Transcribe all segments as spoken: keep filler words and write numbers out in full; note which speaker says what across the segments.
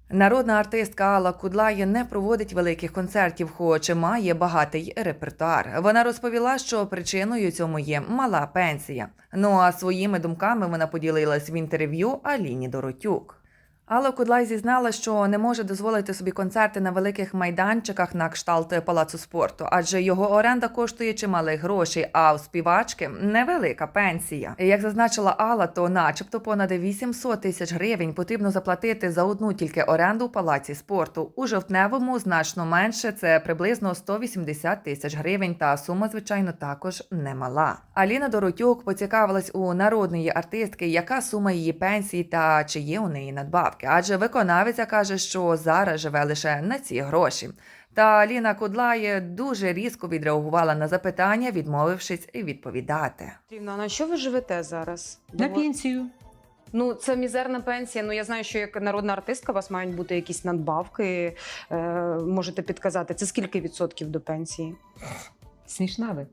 Speaker 1: Народна артистка Алла Кудлай не проводить великих концертів, хоч має багатий репертуар. Вона розповіла, що причиною цьому є мала пенсія. Ну а своїми думками вона поділилась в інтерв'ю Аліні Доротюк. Алла Кудлай зізнала, що не може дозволити собі концерти на великих майданчиках на кшталт палацу спорту, адже його оренда коштує чималих грошей, а у співачки невелика пенсія. Як зазначила Алла, то начебто понад вісімсот тисяч гривень потрібно заплатити за одну тільки оренду у палаці спорту. У жовтневому значно менше, це приблизно сто вісімдесят тисяч гривень, та сума, звичайно, також немала. Аліна Доротюк поцікавилась у народної артистки, яка сума її пенсії та чи є у неї надбавки. Адже виконавиця каже, що зараз живе лише на ці гроші. Та Аліна Кудлай дуже різко відреагувала на запитання, відмовившись відповідати.
Speaker 2: Рівна, на що ви живете зараз?
Speaker 3: На пенсію.
Speaker 2: Ну, це мізерна пенсія. Ну, я знаю, що як народна артистка у вас мають бути якісь надбавки. Е, можете підказати, це скільки відсотків до пенсії?
Speaker 3: Смішна ви,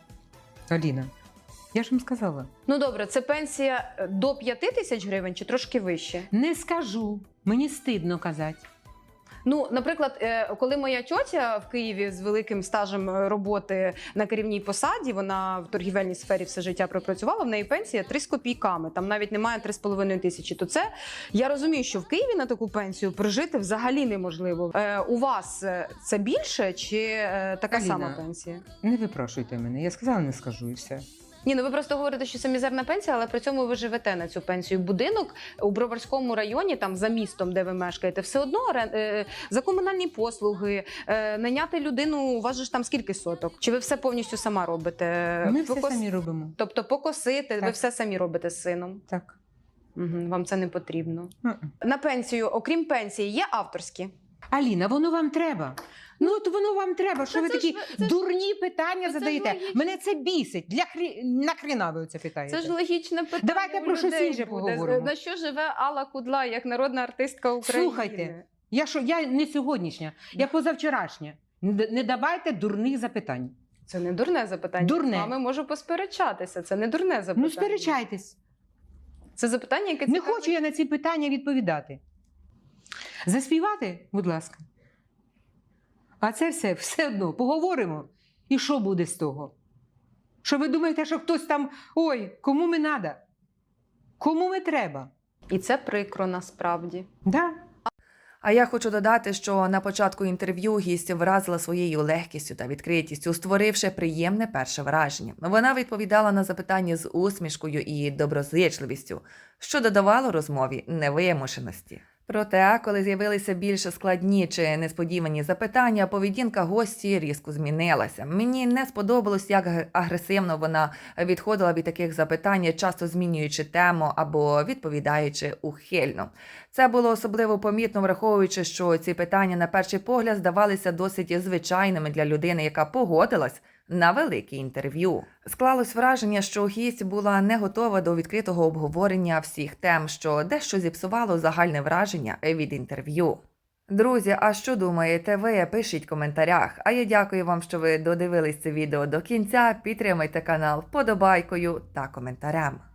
Speaker 3: Аліна. Я ж вам сказала.
Speaker 2: Ну, добре, це пенсія до п'яти тисяч гривень чи трошки вище?
Speaker 3: Не скажу. Мені стидно казати.
Speaker 2: Ну, наприклад, коли моя тьотя в Києві з великим стажем роботи на керівній посаді, вона в торгівельній сфері все життя пропрацювала, в неї пенсія три з копійками, там навіть немає три з половиною тисячі. То це, я розумію, що в Києві на таку пенсію прожити взагалі неможливо. Е, у вас це більше чи е, така
Speaker 3: Аліна,
Speaker 2: сама пенсія?
Speaker 3: Не випрошуйте мене. Я сказала, не скажу і все.
Speaker 2: Ні, ну ви просто говорите, що це мізерна пенсія, але при цьому ви живете на цю пенсію. Будинок у Броварському районі, там за містом, де ви мешкаєте, все одно е, за комунальні послуги, е, найняти людину, у вас же ж там скільки соток? Чи ви все повністю сама робите?
Speaker 3: Ми
Speaker 2: Покос...
Speaker 3: все самі робимо.
Speaker 2: Тобто покосити,
Speaker 3: Так.
Speaker 2: ви все самі робите з сином?
Speaker 3: Так.
Speaker 2: Угу, вам це не потрібно.
Speaker 3: Mm-mm.
Speaker 2: На пенсію, окрім пенсії, є авторські?
Speaker 3: Аліна, воно вам треба. Ну, от воно вам треба, що
Speaker 2: Та
Speaker 3: ви
Speaker 2: це
Speaker 3: такі
Speaker 2: ж ви- це ж-
Speaker 3: дурні питання
Speaker 2: це ж
Speaker 3: задаєте.
Speaker 2: логічно.
Speaker 3: Мене це бісить. Для хрі... Нахріна ви це питаєте?
Speaker 2: Це ж логічне питання.
Speaker 3: Давайте
Speaker 2: у
Speaker 3: про щось
Speaker 2: людей
Speaker 3: інше
Speaker 2: буде.
Speaker 3: поговоримо.
Speaker 2: На що живе Алла Кудлай, як народна артистка України?
Speaker 3: Слухайте, я, що, я не сьогоднішня, я позавчорашня. Не, не давайте дурних запитань.
Speaker 2: Це не дурне запитання.
Speaker 3: Дурне.
Speaker 2: З вами можу посперечатися. Це не дурне запитання.
Speaker 3: Ну, сперечайтесь.
Speaker 2: Це запитання, яке
Speaker 3: Не
Speaker 2: цікавить-
Speaker 3: хочу я на ці питання відповідати. Заспівати, будь ласка. А це все, все одно, поговоримо. І що буде з того? Що ви думаєте, що хтось там, ой, кому ми надо? Кому ми треба?
Speaker 2: І це прикро насправді.
Speaker 3: Да?
Speaker 1: А я хочу додати, що на початку інтерв'ю гість вразила своєю легкістю та відкритістю, створивши приємне перше враження. Вона відповідала на запитання з усмішкою і доброзичливістю, що додавало розмові невимушеності. Проте, коли з'явилися більш складні чи несподівані запитання, поведінка гості різко змінилася. Мені не сподобалось, як агресивно вона відходила від таких запитань, часто змінюючи тему або відповідаючи ухильно. Це було особливо помітно, враховуючи, що ці питання на перший погляд здавалися досить звичайними для людини, яка погодилась на велике інтерв'ю. Склалось враження, що гість була не готова до відкритого обговорення всіх тем, що дещо зіпсувало загальне враження від інтерв'ю. Друзі, а що думаєте ви? Пишіть в коментарях. А я дякую вам, що ви додивились це відео до кінця. Підтримайте канал вподобайкою та коментарем.